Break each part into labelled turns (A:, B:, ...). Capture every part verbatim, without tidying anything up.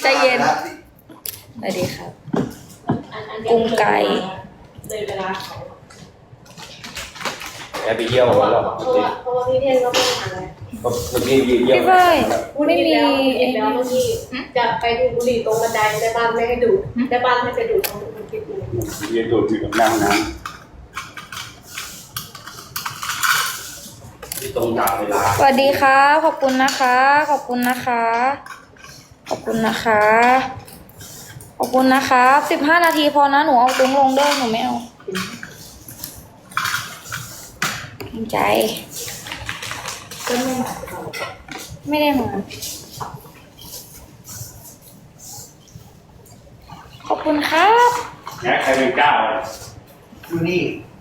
A: ใจเย็นสวัสดีครับกุ้งไก่
B: เลยเวลาเขา
C: แอบไปเยี่ยวแล้ว
B: เพราะว่าเพราะว่าพี่เทนก็ไม่ทานเลย
C: ก็เมื่อกี้เยี่ยว
A: พี่เฟ้ยไม่มี
B: เห็นแล้วเมื่อกี้จะไปดูบุหรี่ตรงบันไดในบ้านไม่ให้ดูในบ้านไม่ไปดูตรงนี้คิดดู
C: เยี่ยวตัวอยู่กับนั่งน้ำที่ตรงตามเวลา
A: สวัสดีค่ะขอบคุณนะคะ ขอบคุณนะคะ ขอบคุณนะคะ ขอบคุณนะคะสิบห้านาทีพอนะหนูเอาตุ้งลงเด้อหนูไม่เอาเกรงใจก็ไม่มาไม่ได้มาขอบคุณครับ
C: แง่ใครเป็นเจ้า
D: อยู่นี่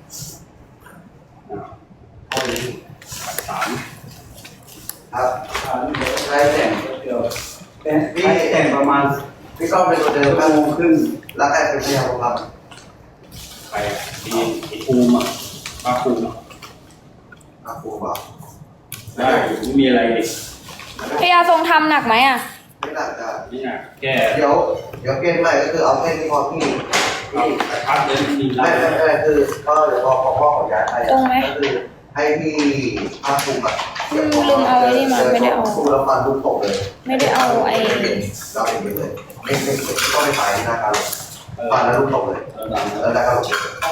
C: เอาเลยสาม
D: ครับใช้แต่งเดียวแต่งพี่แต่งประมาณพี่ก็เป็นตัวเดิมห้าโมงครึ่งแล้วใครเป็นพยาบาล
C: ไปทีไอ้ภูมิอ่ะป้าภูมิ
D: อาครูบอก
C: ได้ไม่มีอะไรดิ
A: พยาทรงทำหนักไหมอ่ะ
D: ไม่น่าจะ
C: นี่นะแก
D: เดี๋ยวเดี๋ยวเกณฑ์ใหม่ก็คือเอาแค่ที่พอพี่
C: เอา
D: พี่
C: กระทัดเลยมีไล่
D: ไม่ไม่ไม่คือก็เดี๋ยวพอพอพ่อขอย้ายไปก็คือให้พี่ภาคภูมิอ่ะครูแล้วฟันลูกตกเลย
A: ไม่ได้เอาไอ้
D: เราเองเลยไม่ไม่ก็ไม่ไปนะครับฟันแล้วลูกตกเลย
C: เออดัง
D: แล้วได้ก็ลง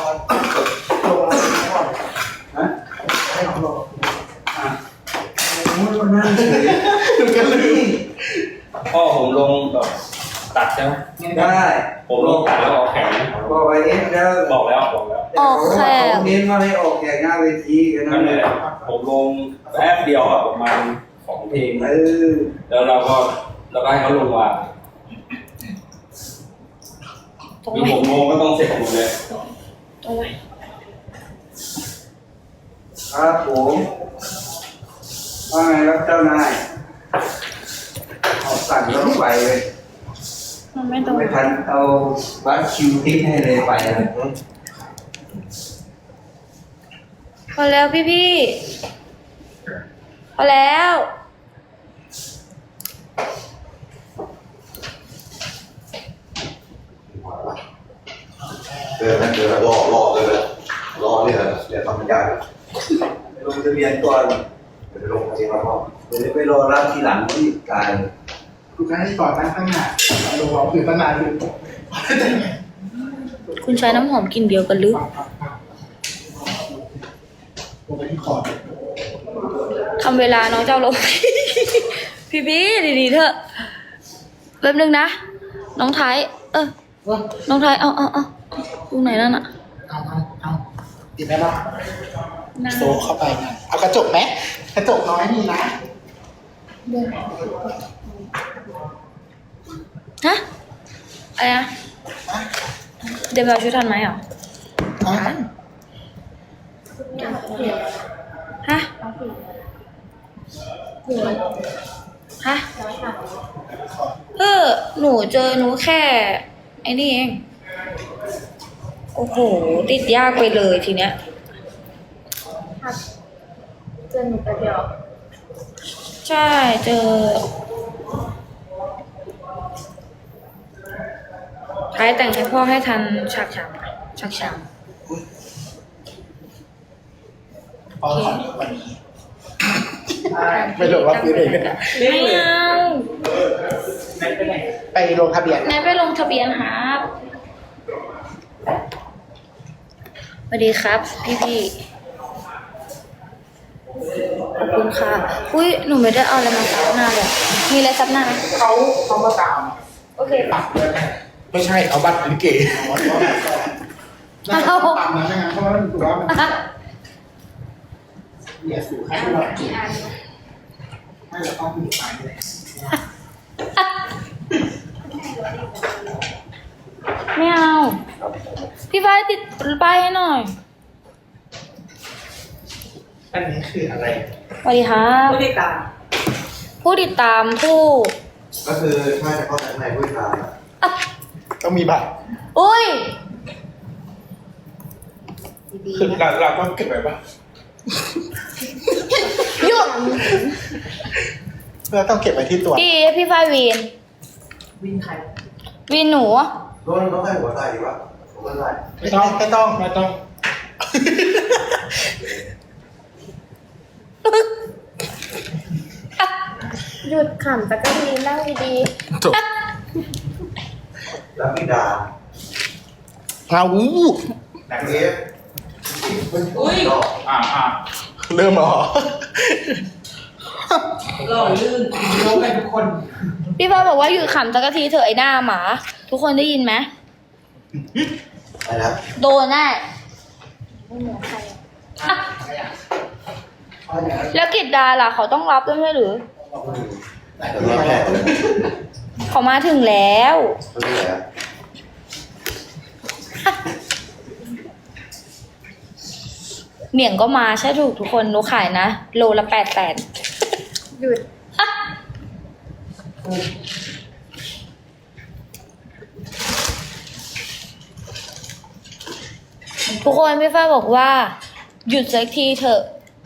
D: ฮะให้ลงลง
C: อ่ะ
D: มันนั่งเฉยดูกันเลย
C: พ่อผมลงแบบตัดใช่ไหม
D: ได้
C: ผมลงตัดแล้วออกแข่งนะ
D: บอกไปเองแล้ว
C: บอกแล้วบอกแล้ว
A: ออกแขก
D: เน้นมาให้ออกแข่งหน้าเวทีกัน
C: นั่
D: นั่
C: น
D: น
C: แห
D: แห
C: ละ
D: ละ
C: ผมลงแป๊บเดียวอะประมาณสองเพลง
D: เออ
C: แล้วเราก็เราก็ให้เขาลงว่า
A: ตรง
C: มี
A: ไหม
C: หกโมงก็ต้องเสร็จหมดเลย
A: ตรงไหม
D: ครับผมว่าไงครับเจ้านายเอาสั่งแล้วไปเลย
A: มันไม่ตรง
D: ไม่ทันเอาวัดคิวทิ้งให้เลยไปเลย
A: พอแล้วพี่พี่พอแล้ว
D: เดินนั่นเดินรอรอเลยรอเนี่ยเนี่ยทำยากไปลงทะเบียนก่อนไปลงทะเบียนก่อนเดี๋ยวไปรอรับทีหลังที่กาย
E: กูจะให้ก่อนนั่งข้างหน้าลงเราคือตั้งนานอยู่
A: คุณใช้น้ำหอมกลิ่นเดียวกันหรือ
E: ลงไปที่คอร์ด
A: ทำเวลาน้องเจ้าลง พี่พี่ดีๆเถอะแป๊บนึงนะน้องไทยเออ
E: ว่า
A: น้องไทยเอาเอาเอาตรงไหนนั่นอะ
E: เอาเอาเอาติดไหมล่ะ
A: นั่น
E: โซเข้าไปนะเอากระจกไหมกระจกน้อยนี่นะ
A: ฮะอะไรนะเดี๋ยวเราช่วยทันไหมอ่ะ
E: เอา
A: ฮะฮะเออหนูเจอหนูแค่ไอ้นี่เองโอ้โหติดยากไปเลยทีเนี้ย
B: เจอหนูไปเดียว
A: ใช่เจอท้ายแต่งให้พ่อให้ทันฉากฉากฉากฉาก
E: พอขอวันนี้ไม่ลงรับซื้อเองนะ
A: ไม่เอา
E: ไปลงทะเบียน
A: ไหนไปลงทะเบียนครับสวัสดีครับ พี่พี่ขอบคุณค่ะอุ้ยหนูไม่ได้เอาอะไรมาซับหน้าเลยมีอะไรซับหน้าไหม
E: เขาเขามาตาม
A: โอเค
E: ปักเลยไม่ใช่เอาบัตรลิเกน่าจะตามนะใช่ไหมเพราะว่ามันถือว่ามันเนี่ยสู่ให้เราจีไม่เราต้องมีไปเลย
A: ไม่เอาพี่ฟ้ายติดป้ายให้หน่อย
E: อันนี้คืออะไร
A: สวัสดีครับ
B: ผู้ติดตาม
A: ผู้ติดตามผู้
D: ก็คือถ้าจะเข้าในผู้ชาย
A: อ่ะ
E: ต้องมีบัตร
A: อุ้ย
E: คือเราเราต้องเก็บไว้ปะ
A: หยุด
E: เราต้องเก็บไว้ที่ตัว
A: ดีพี่ฟ้ายวีน
B: วินใคร
A: วินหนู
D: โดนต้องใส่หัวใส่ดีวะหัวใส่
E: ไม่ต้องไม่ต้องไม่ต้อง
B: หยุดขำสักทีนั่งดี
E: จบ
D: แล้วมีดา
E: เอาอู้
D: หนังเอฟ
B: อุ้ย
C: อ่าอ่า
E: เริ่มเหรอ
B: หล่อลื่นยกไปทุกคน
A: พี่ฟ้าบอกว่าหยุดขำสักทีเถอะไอ้หน้าหมา ทุกคนได้ยินไหม
D: อะไรนะ
A: โดนแน่อ่ะแล้วกิจดาล่ะเขาต้องรับด้วยไม่ใช่หรือ
D: แต่เราแพ้เลย
A: เขามาถึงแล้ว
D: ไม่ใช่เหรอ
A: เหมี่ยงก็มาใช่ถูกทุกคนหนูขายนะ โลละแปดแสน
B: หยุด
A: ทุกคนพี่ฟ้าบอกว่า หยุดสักทีเถอะ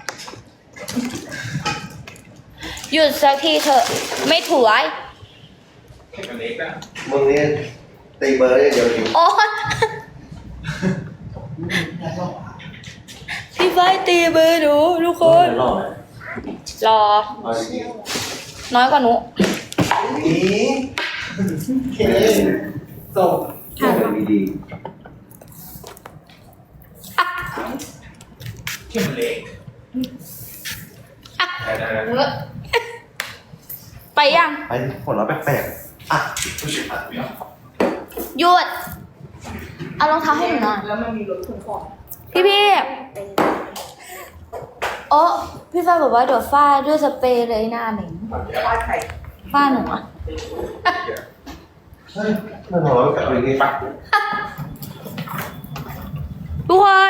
A: หยุดสักทีเถอะ ไม่ถวย
C: เล็กนะ
D: มึงนี่ตีเบอร์ได้เดียวจริง
A: โอ๊ยพี่ฟ้าตีเบอร์หนูทุกคน
D: รอด
A: รอ
D: เอาจริง
A: น้อยกว่าหนู
D: นี่
E: เคส่ง
D: แค่เป็นดี
C: เข้มเล็กได้ได้ได้
A: ไปยัง
D: ๆไอ้ผลลัพธ์แปลกๆอ่ะ
A: หยุด เอารองเท้าให้หนูหน่อย
B: แล้วมันมีรถขนของ
A: พี่พี่โอ้พี่ฟ้าบอกว่าเดี๋ยวฟาดด้วยสเปรย์เลยหน้าเหม็น
B: บ้านใคร
A: ฟาดหนูอ่ะ
D: เฮ้ยไม่พอแล้วกับอะไรนี่
C: ปัก
A: ทุกคน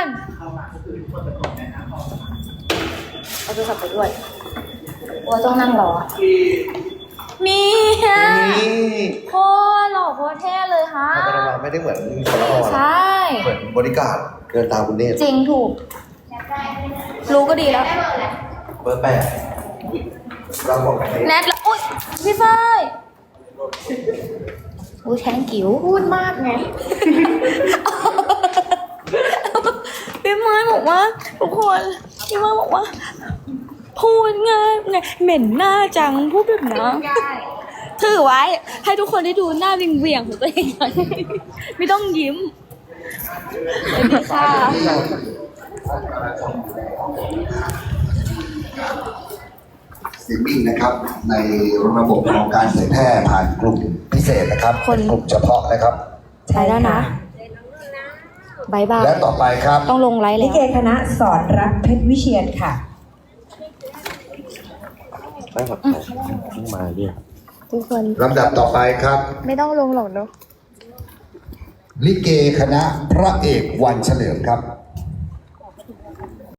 A: เอาโทรศัพท์ไปด้วยว่าต้องนั่งรอนี่ฮะ
D: นี่
A: โคตรหล่อโคตรเท่เลยฮะ
D: ธรรมดาไม่ได้เหมือนคนละอ่อน
A: ใช่
D: เหมือนบริการเกินตามคุณเนตร
A: จริงถูก รู้ก็ดีแล้ว
D: เบอร์แปดเราบอกกัน
A: แนทแล้วอุ้ยพี่ฝ้ายอุ้ยแทงกิ๋ว
B: พูดมากไง
A: พี่ไม้บอกว่าทุกคนพี่ไม้บอกว่า พูดง่ายไงเหม็นหน้าจังพูดแบบนี้ถือไว้ให้ทุกคนได้ดูหน้าวิงเวียงๆของตัวเองหน่อยไม่ต้องยิ้มสวัสดีค่ะ
F: สตรีมมิ่งนะครับในระบบของการเผยแพร่ผ่านกลุ่มพิเศษนะครับ
A: คน
F: เป็นกลุ่มเฉพาะนะครับ
A: ใช่แล้วนะบายบาย
F: และต่อไปครับ
A: ต้องลงไลฟ์
G: ลิ
A: แล้ว
G: เกคณะสอนรักเพชรวิเชียนค่ะ
D: ไม่หมดมาเนี่ย
A: ทุกคน
F: ลำดับต่อไปครับ
A: ไม่ต้องลงหรอกเนาะ
F: ลิเกคณะพระเอกวันเฉลิมครับ